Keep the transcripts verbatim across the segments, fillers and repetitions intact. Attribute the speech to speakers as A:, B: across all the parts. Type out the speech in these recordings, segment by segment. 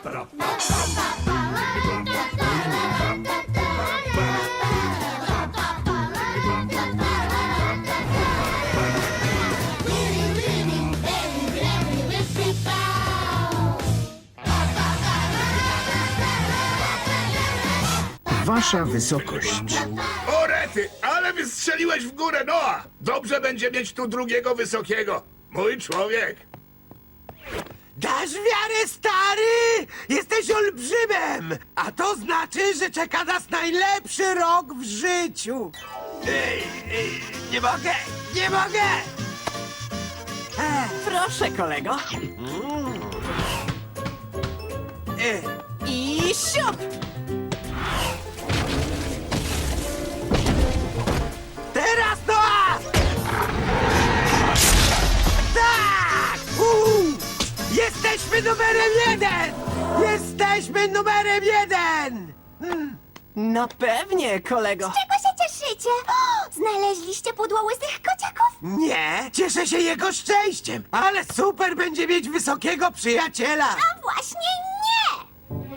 A: Wasza wysokość.
B: O rety, ale wystrzeliłeś w górę, Noa! Dobrze będzie mieć tu drugiego wysokiego. Mój człowiek.
C: Dasz wiarę, stary! Jesteś olbrzymem! A to znaczy, że czeka nas najlepszy rok w życiu! Ej, ej, nie mogę! Nie mogę! E,
D: Proszę, kolego.
C: e,
D: I siup!
C: teraz Noa! Tak! Uuu! Jesteśmy numerem jeden! Jesteśmy numerem jeden!
D: No pewnie, kolego.
E: Czego się cieszycie? O, znaleźliście pudło łysych kociaków?
C: Nie, cieszę się jego szczęściem, ale super będzie mieć wysokiego przyjaciela!
E: A właśnie nie!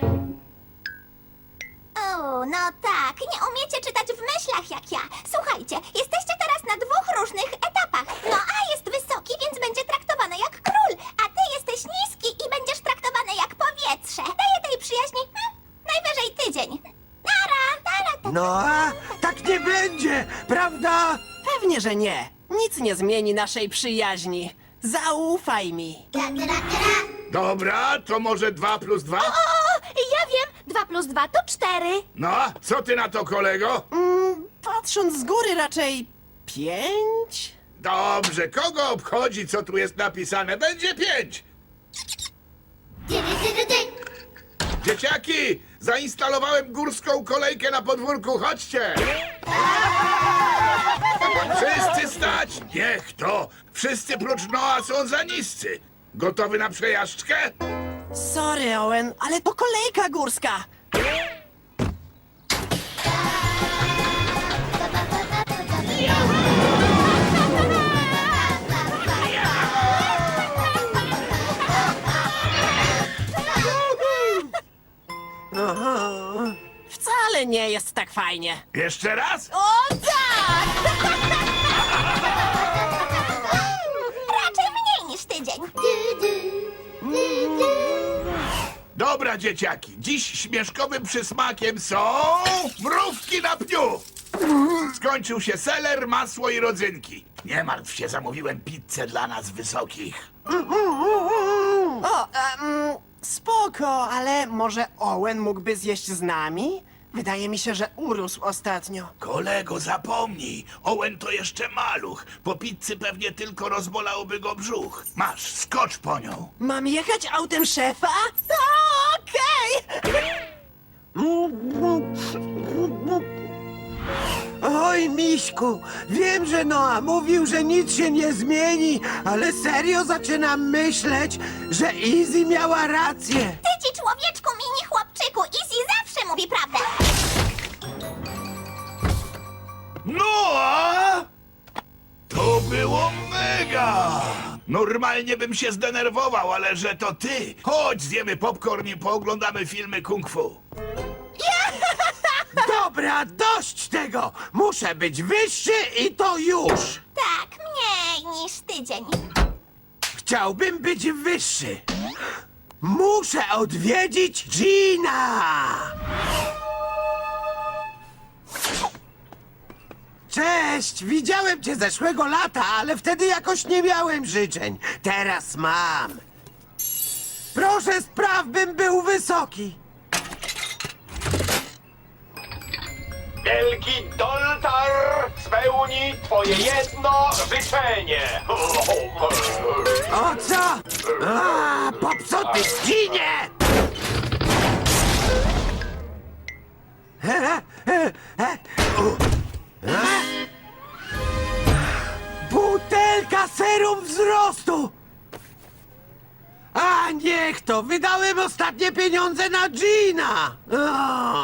E: O, no tak, nie umiecie czytać w myślach jak ja. Słuchajcie, jesteście teraz na dwóch różnych etapach. No A jest wysoki, więc będzie traktowany jak król, a ty jesteś niski i będziesz traktowany jak powietrze. Daję tej przyjaźni hm, najwyżej tydzień. Nara, nara, ta,
C: No a tak nie będzie, prawda?
D: Pewnie, że nie. Nic nie zmieni naszej przyjaźni. Zaufaj mi.
E: tra, tra, tra.
B: Dobra, to może dwa plus dwa?
E: O, ja wiem, dwa plus dwa to cztery.
B: No, co ty na to, kolego?
D: Patrząc z góry raczej pięć?
B: Dobrze, kogo obchodzi, co tu jest napisane? Będzie pięć.
E: Ty, ty, ty, ty.
B: Dzieciaki, zainstalowałem górską kolejkę na podwórku, chodźcie! Wszyscy stać! Niech to! Wszyscy prócz Noa są za niscy. Gotowy na przejażdżkę?
D: Sorry, Owen, ale to kolejka górska. Wcale nie jest tak fajnie.
B: Jeszcze raz?
D: O tak!
E: Raczej mniej niż tydzień.
B: Dobra, dzieciaki, dziś śmieszkowym przysmakiem są mrówki na pniu. Skończył się seler, masło i rodzynki. Nie martw się, zamówiłem pizzę dla nas wysokich.
D: O, em, spoko, ale może Owen mógłby zjeść z nami? Wydaje mi się, że urósł ostatnio.
B: Kolego, zapomnij, Owen to jeszcze maluch. Po pizzy pewnie tylko rozbolałby go brzuch. Masz, skocz po nią.
D: Mam jechać autem szefa? O, okej!
C: Oj, Miśku, wiem, że Noa mówił, że nic się nie zmieni, ale serio zaczynam myśleć, że Izzy miała rację.
E: Ty ci człowieczku, mini chłopczyku, Izzy zawsze mówi prawdę.
B: No, a? To było mega! Normalnie bym się zdenerwował, ale że to ty. Chodź, zjemy popcorn i pooglądamy filmy kung fu.
C: Dobra, dość tego! Muszę być wyższy i to już!
E: Tak, mniej niż tydzień.
C: Chciałbym być wyższy. Muszę odwiedzić Gina! Cześć! Widziałem cię zeszłego lata, ale wtedy jakoś nie miałem życzeń. Teraz mam. Proszę spraw, bym był wysoki.
F: Wielki Doltar spełni twoje jedno życzenie.
C: O co? A, popsuty Ginie! E, e, e, u. A? Butelka serum wzrostu! A niech to! Wydałem ostatnie pieniądze na Gina! O.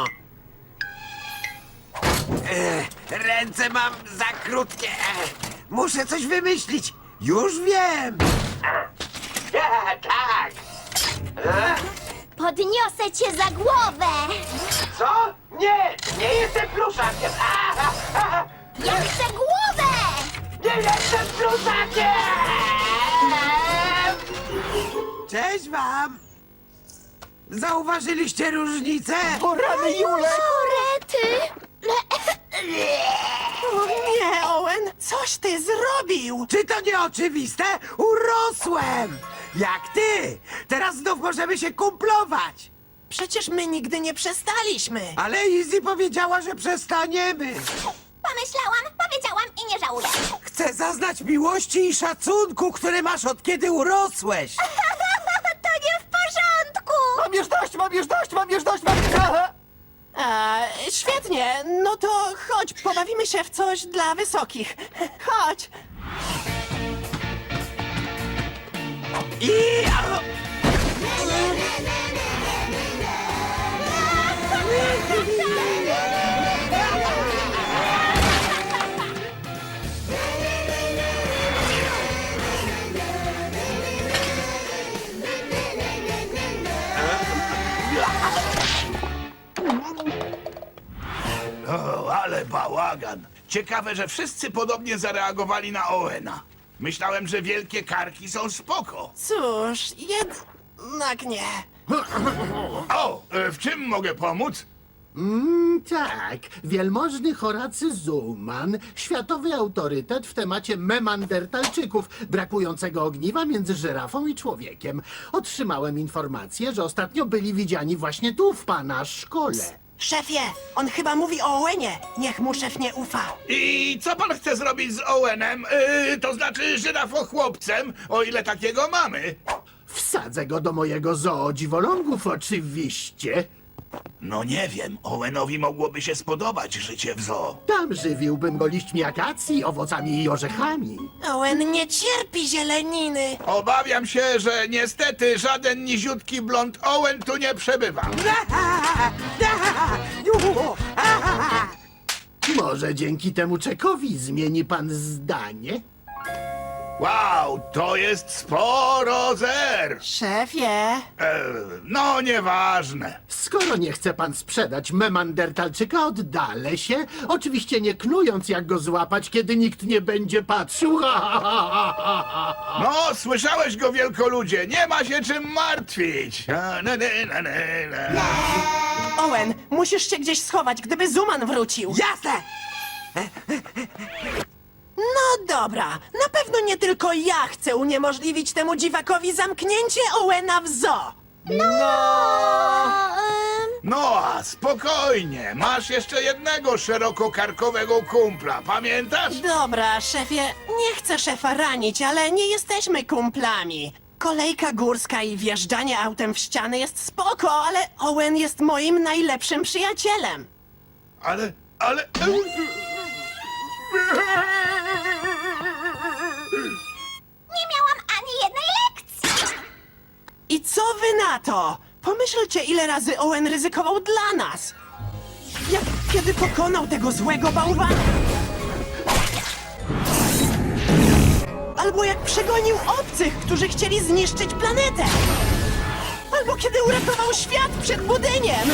C: E, ręce mam za krótkie. E, muszę coś wymyślić. Już wiem!
F: Ja, tak.
E: Po Podniosę cię za głowę!
C: Co? Nie! Nie jestem pluszakiem! Aha, aha.
E: Ja chcę głowę!
C: Nie jestem pluszakiem! Cześć wam! Zauważyliście różnicę?
D: O rany Julek!
E: Korety!
D: O nie, Owen! Coś ty zrobił!
C: Czy to nie oczywiste? Urosłem! Jak ty! Teraz znów możemy się kumplować!
D: Przecież my nigdy nie przestaliśmy!
C: Ale Izzy powiedziała, że przestaniemy!
E: Pomyślałam, powiedziałam i nie żałuję.
C: Chcę zaznać miłości i szacunku, które masz od kiedy urosłeś!
E: To nie w porządku!
D: Mam już dość, mam już dość, mam już dość, mam już dość! A, świetnie, no to chodź, pobawimy się w coś dla wysokich. Chodź!
C: I...
B: O, ale bałagan. Ciekawe, że wszyscy podobnie zareagowali na Owena. Myślałem, że wielkie karki są spoko.
D: Cóż, jednak nie.
B: O, e, w czym mogę pomóc?
A: Mm, tak, wielmożny Horacy Zuman, światowy autorytet w temacie memandertalczyków, brakującego ogniwa między żyrafą i człowiekiem. Otrzymałem informację, że ostatnio byli widziani właśnie tu, w pana szkole.
D: Szefie, on chyba mówi o Owenie. Niech mu szef nie ufa.
B: I co pan chce zrobić z Owenem? Yy, to znaczy żyrafochłopcem, o ile takiego mamy.
A: Wsadzę go do mojego zoo dziwolągów, oczywiście.
B: No nie wiem, Owenowi mogłoby się spodobać życie w zoo.
A: Tam żywiłbym go liśćmi akacji, owocami i orzechami.
D: Owen nie cierpi zieleniny.
B: Obawiam się, że niestety żaden niziutki blond Owen tu nie przebywa.
A: Może dzięki temu czekowi zmieni pan zdanie?
B: Wow, to jest sporo zer.
D: Szefie,
B: E, no nieważne.
A: Skoro nie chce pan sprzedać memandertalczyka, oddalę się. Oczywiście nie knując, jak go złapać, kiedy nikt nie będzie patrzył.
B: No, słyszałeś go, wielkoludzie, nie ma się czym martwić. Na, na, na, na, na.
D: Owen, musisz się gdzieś schować, gdyby Zuman wrócił.
C: Jasne!
D: No dobra, na pewno nie tylko ja chcę uniemożliwić temu dziwakowi zamknięcie Owena w zoo.
B: No, a spokojnie, masz jeszcze jednego szerokokarkowego kumpla, pamiętasz?
D: Dobra, szefie, nie chcę szefa ranić, ale nie jesteśmy kumplami. Kolejka górska i wjeżdżanie autem w ściany jest spoko, ale Owen jest moim najlepszym przyjacielem.
B: Ale, ale...
E: Nie miałam ani jednej lekcji!
D: I co wy na to? Pomyślcie, ile razy Owen ryzykował dla nas. Jak kiedy pokonał tego złego bałwana. Albo jak przegonił obcych, którzy chcieli zniszczyć planetę. Albo kiedy uratował świat przed budyniem.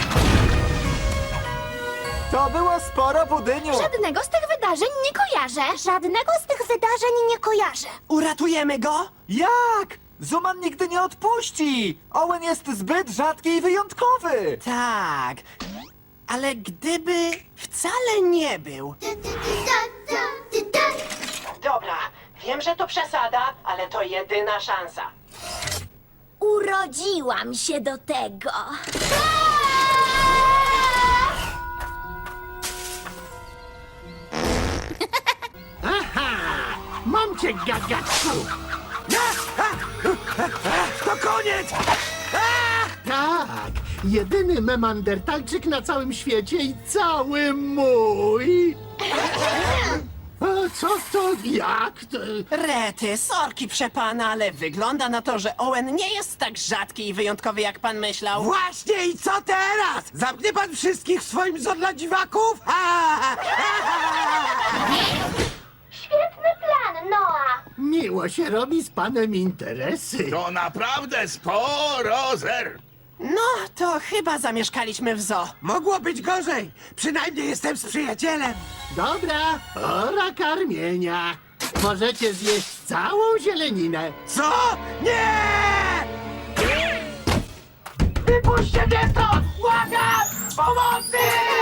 G: To było sporo budyniu!
E: Żadnego z tych wydarzeń nie kojarzę. Żadnego z tych wydarzeń nie kojarzę.
D: Uratujemy go?
G: Jak? Zuman nigdy nie odpuści! Owen jest zbyt rzadki i wyjątkowy!
D: Tak. Ale gdyby wcale nie był. Dobra, wiem, że to przesada, ale to jedyna szansa.
E: Urodziłam się do tego.
A: Aha! Mam cię, gagaczku!
C: To koniec!
A: Tak, jedyny memandertalczyk na całym świecie i cały mój! A co to, jak to?
D: Rety, sorki przepana, ale wygląda na to, że Owen nie jest tak rzadki i wyjątkowy, jak pan myślał.
C: Właśnie i co teraz? Zamknie pan wszystkich w swoim zoo dla dziwaków? Ha!
E: Świetny plan, Noah.
A: Miło się robi z panem interesy.
B: To naprawdę sporo zer.
D: No, to chyba zamieszkaliśmy w zoo.
C: Mogło być gorzej. Przynajmniej jestem z przyjacielem.
A: Dobra, pora karmienia. Możecie zjeść całą zieleninę.
C: Co? Nie!
F: Wypuśćcie mnie stąd! Błagam! Pomocy!